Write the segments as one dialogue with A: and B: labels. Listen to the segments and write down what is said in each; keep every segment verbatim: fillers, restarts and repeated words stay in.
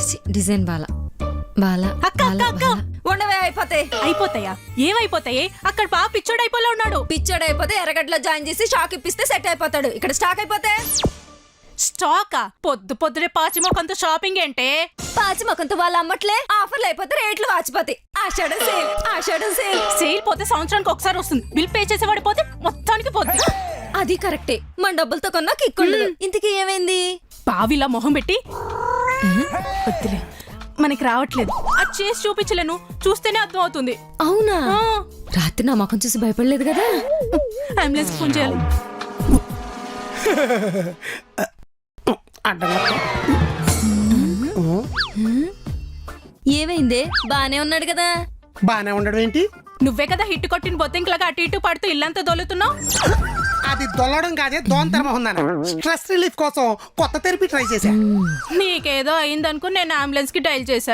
A: Design Bala Bala
B: అక్క అక్క అక్క
A: ఉండవే అయిపోతాయి.
B: అయిపోతాయా? ఏమైపోతాయి? అక్కడ బాగా పిచ్చోడు అయిపోలే ఉన్నాడు.
A: పిచ్చోడు అయిపోతే ఎర్రగడ్డలో జాయిన్ చేసి షాక్ ఇప్పిస్తే సెట్ అయిపోతాడు. ఇక్కడ స్టాక్ అయిపోతే
B: స్టాకా? పొద్దు పొద్దునే పాచిమోకంతో షాపింగ్ ఏంటే?
A: పాచి మొకంతో వాళ్ళు అమ్మట్లే, ఆఫర్లు అయిపోతే రేట్లు వాచిపోతాయి. Ashadham sale, Ashadham sale.
B: Sale పోతే సంవత్సరానికి ఒకసారి వస్తుంది. బిల్ పే చేసేవాడి పోతే మొత్తానికి పోతుంది.
A: అది కరెక్టే, మన డబ్బులతో కొన్నా కిక్ ఉండదు. ఇంతకీ ఏమైంది?
B: బావిలా మొహం పెట్టి వద్దులే, మనకి రావట్లేదు. అది చేసి చూపించలేను, చూస్తేనే అర్థం అవుతుంది.
A: అవునా?
B: ఆ,
A: రాత్రి నా ముఖం చూసి భయపడలేదు కదా?
B: అంబులెన్స్ ఫోన్ చేయాలి.
A: ఏమైందే? బానే ఉన్నాడు కదా?
C: బానే ఉండడం ఏంటి?
B: నువ్వే కదా హిట్ కొట్టిన బొత్తింకలాగా అటు ఇటు పడుతూ ఇల్లంతా దొలుతున్నావు.
C: అది దొల్లడం కాదే, దోంతరం ఉందన్న. స్ట్రెస్ రిలీఫ్ కోసం కొత్త థెరపీ ట్రై చేశా.
B: నీకేదో అయిందనుకుని నేను అంబులెన్స్ కి డైల్ చేశా.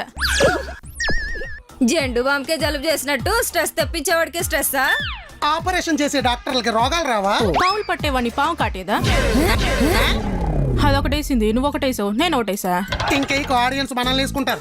A: జెండు బాంకే జలుబు చేసినట్టు స్ట్రెస్ తెప్పించేవాడికి స్ట్రెస్సా?
C: ఆపరేషన్ చేసే డాక్టర్లకి రోగాలు రావా?
B: పావులు పట్టేవాడిని పాము కాటేదా? అదొకటేసింది, నువ్వు ఒకటేసావు, నేను ఒకటేసా.
C: ఇంక ఆడియన్స్ మనల్ని వేసుకుంటారు.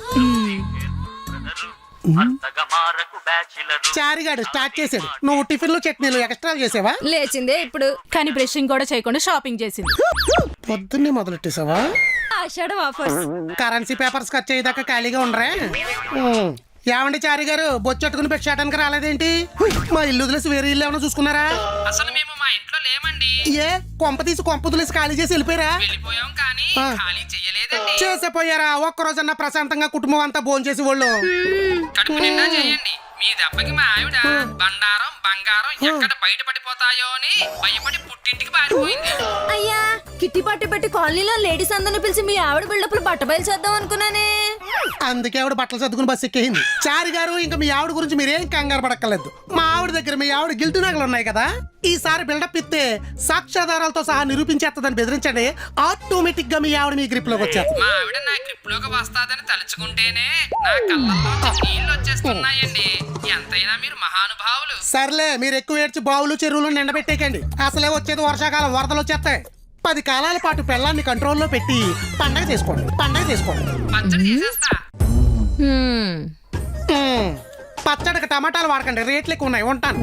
C: చారిగాడు స్టార్ట్ చేసాడు, నువ్వు టిఫిన్ లో చట్నీలు ఎక్స్ట్రా చేసావా?
A: లేచిందే ఇప్పుడు.
B: కానీ బ్రషింగ్ కూడా చేయకుండా షాపింగ్ చేసింది.
C: పొద్దున్నే మొదలెట్టేసావా?
A: ఆషాఢం ఆఫర్స్.
C: కరెన్సీ పేపర్స్ ఖర్చు అయ్యేదాకా ఖాళీగా ఉండరా? ఉమ్. ఏమండి చారి గారు, బొచ్చట్టుకుని పెట్టడానికి రాలేదేంటి? మా ఇల్లు వదిలేసి వేరే ఇల్లు ఏమైనా చూసుకున్నారా?
D: అసలు మేము మా ఇంట్లో లేమండి.
C: ఏ కొంప తీసి కొంప వదిలేసి ఖాళీ చేసి వెళ్ళిపోయారా?
D: వెళ్ళిపోయాం కానీ ఖాళీ చేయలేదండి.
C: చేసేపోయారా? ఒక్కరోజన్నా ప్రశాంతంగా కుటుంబం అంతా భోజనం చేసి వాళ్ళు
D: కడుపు నిండా చేయండి. మీ దెబ్బకి మా ఆవిడ బండారం బంగారం ఎక్కడ బయట పడిపోతాయో అని భయపడి పుట్టింటికి పారిపోయింది.
A: అయ్యా, కిట్టి పట్టి పెట్టి కాలనీలో లేడీస్ అందరిని పిలిచి మీ ఆవిడ బిల్డప్లు బట్ట బయలు చేద్దాం అనుకున్నానే.
C: అందుకే ఆవిడ బట్టలు సర్దుకుని బస్సు ఎక్కేయింది. చారి గారు, ఇంకా మీ ఆవిడ గురించి మీరేం కంగారు పడక్కర్లేదు. మా ఆవిడ దగ్గర మీ ఆవిడ గిల్టు నగలు ఉన్నాయి కదా, ఈసారి బిల్డప్ ఇస్తే సాక్ష్యాధారాలతో సహా నిరూపించేస్తుందని బెదిరించండి. ఆటోమేటిక్ గా మీ ఆవిడ మీ గ్రిప్ లోకి వచ్చేస్తుంది.
D: మా ఆవిడ నా గ్రిప్ లోకి వస్తాదని తలుచుకుంటేనే నా కళ్ళల్లో నీళ్ళు వచ్చేస్తున్నాయండి. ఎంతైనా మీరు మహానుభావులు.
C: సర్లే, మీరు ఎక్కువ ఏడ్చి బావులు చెరువులు నిండబెట్టేకండి. అసలే వచ్చేది వర్షాకాలం, వరదలు వచ్చేస్తాయి. పది కాలాల పాటు పెళ్ళాన్ని కంట్రోల్లో పెట్టి పండగ చేసుకోండి, పండగ చేసుకోండి.
D: పచ్చడి చేసేస్తా.
A: హ్మ్.
C: మ్మ్. పచ్చడికి టమాటాలు వాడకండి, రేట్లు ఎక్కువ ఉన్నాయి. ఉంటాను.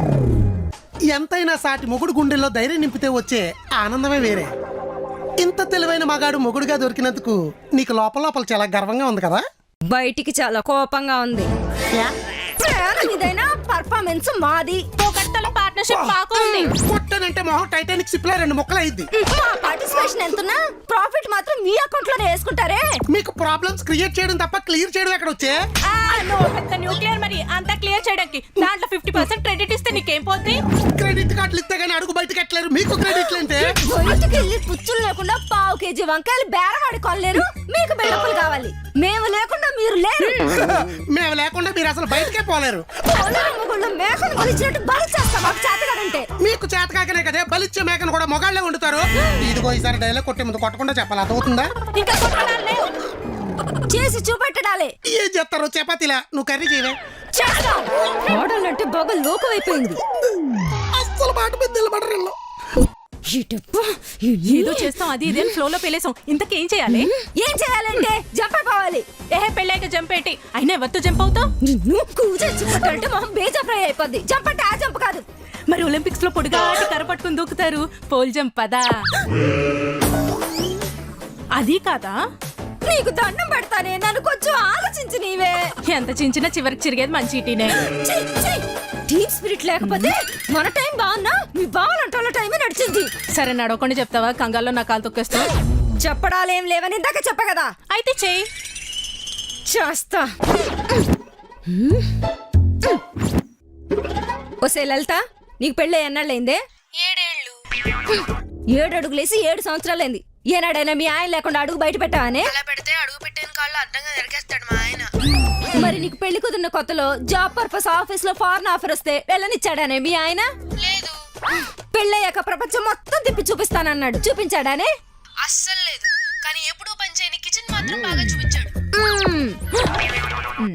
C: ఎంతైనా సాటి మొగుడు గుండెల్లో ధైర్యం నింపితే వచ్చే ఆనందమే వేరే. ఇంత తెలివైన మగాడు మొగుడుగా దొరికినందుకు నీకు లోపల లోపల చాలా గర్వంగా ఉంది కదా?
A: బయటికి చాలా కోపంగా ఉంది. ప్రాణం ఇదైనా పర్ఫార్మెన్స్ మాది.
B: ఒకటల పార్ట్నర్షిప్ బాగుంది.
C: కొట్టనంటే మొహం టైటానిక్ షిప్ లో రెండు ముక్కలు అయింది.
A: మా పార్టిసిపేషన్ ఎంతున్నా ప్రాఫిట్ మాత్రం మీ అకౌంట్ లోనే వేసుకుంటారే.
C: మీకు ప్రాబ్లమ్స్ క్రియేట్ చేయడం తప్ప క్లియర్ చేయడం ఎక్కడ వచ్చే?
B: న్యూక్లియర్ మరి అంతా క్లియర్ చేయడానికి దాంట్లో ఫిఫ్టీ పర్సెంట్ క్రెడిట్ ఇస్తే నీకేం పోద్ది?
C: క్రెడిట్ కార్డులు ఇస్తే గానీ అడుగు బయటకు ఎట్లేరు. మీకు క్రెడిట్ అంటే
A: బయటికి వెళ్ళి పుచ్చులు లేకుండా పావు కేజీ వంకాయలు బేరవాడి కొనలేరు. మీకు బిల్డప్లు కావాలి. మేము లేకుండా మీరు లేరు.
C: మేము లేకుండా మీరు అసలు బయటకే పోలేరు.
A: మేకను బలిచ్చినట్టు బలి చేస్తాం మాకు చేతగాడంటే.
C: మీకు చేత కాకనే కదే బలిచ్చే మేకను కూడా మొగాళ్ళే వండుతారు. ఇదిగో ఈసారి డైలాగ్ కొట్టే ముందు కొట్టకుండా చెప్పాలి, అర్థమవుతుందా?
B: ఇంకా కొట్టడాలు లేవు.
A: చేసి చూపెట్టడాలే.
C: ఏం చేస్తారు? చపాతీలా నువ్వు కర్రీ చేయవే.
A: చేస్తాం. మోడల్ అంటే బాగా లోకమైపోయింది.
C: అస్సలు మాట మీద నిలబడరు.
B: ఏదో చేస్తాం, అది ఇదే ఫ్లో లో పెళ్ళేసాం. ఇంతకేం చేయాలి?
A: ఏం చేయాలంటే జంప్ అయిపోవాలి.
B: ఏహే పెళ్ళాక జంప్ ఏంటి? అయినా ఎవరితో జంప్ అవుతావు?
A: కూర్చొచ్చుకుంటే మొహం బేజా ఫ్రై అయిపోద్ది. జంప్ అంటే ఆ జంప్ కాదు.
B: మరి ఒలింపిక్స్ లో పొడిగాటి కర్ర పట్టుకుని దూకుతారు, పోల్ జంప్ పదా? అది కాదా?
A: నీకు దండం పెడతానే, నన్ను కొంచెం ఆలోచించి నీవే.
B: ఎంత చించినా చివరికి చిరిగేది మంచి టీనే.
A: టీమ్ స్పిరిట్ లేకపోతే మన టైం బాగున్నా మీ బావాలంటే టైమే నడిచింది.
B: సరే నడవకుండా చెప్తావా? కంగాల్లో నా కాలు తొక్కేస్తావు.
A: చెప్పడాలేం లేవని ఇందాక చెప్పా కదా.
B: అయితే చెయ్యి.
A: చేస్తా. ఓసే లలిత, నీకు పెళ్ళి ఎన్నాళ్ళైందే?
E: ఏడేళ్ళు.
A: ఏడు అడుగులేసి ఏడు సంవత్సరాలైంది. ఏనాడైనా మీ ఆయన లేకుండా అడుగు బయట పెట్టావనే?
E: అలా పెడితే అడుగు పెట్టిన కాళ్ళు అడ్డంగా నరికేస్తాడు మా ఆయన.
A: మరి నీకు పెళ్లి కుదిరిన కొత్తలో జాబ్ పర్పస్ ఆఫీస్ లో ఫారెన్ ఆఫర్ వస్తే వెళ్ళనిచ్చాడానే మీ ఆయన?
E: లేదు.
A: పెళ్ళయ్యాక ప్రపంచం మొత్తం తిప్పి చూపిస్తానన్నాడు, చూపించాడానే?
E: అస్సలు లేదు. కానీ ఎప్పుడూ పనిచేయని కిచెన్ మాత్రం బాగా చూపించాడు.
A: మ్మ్.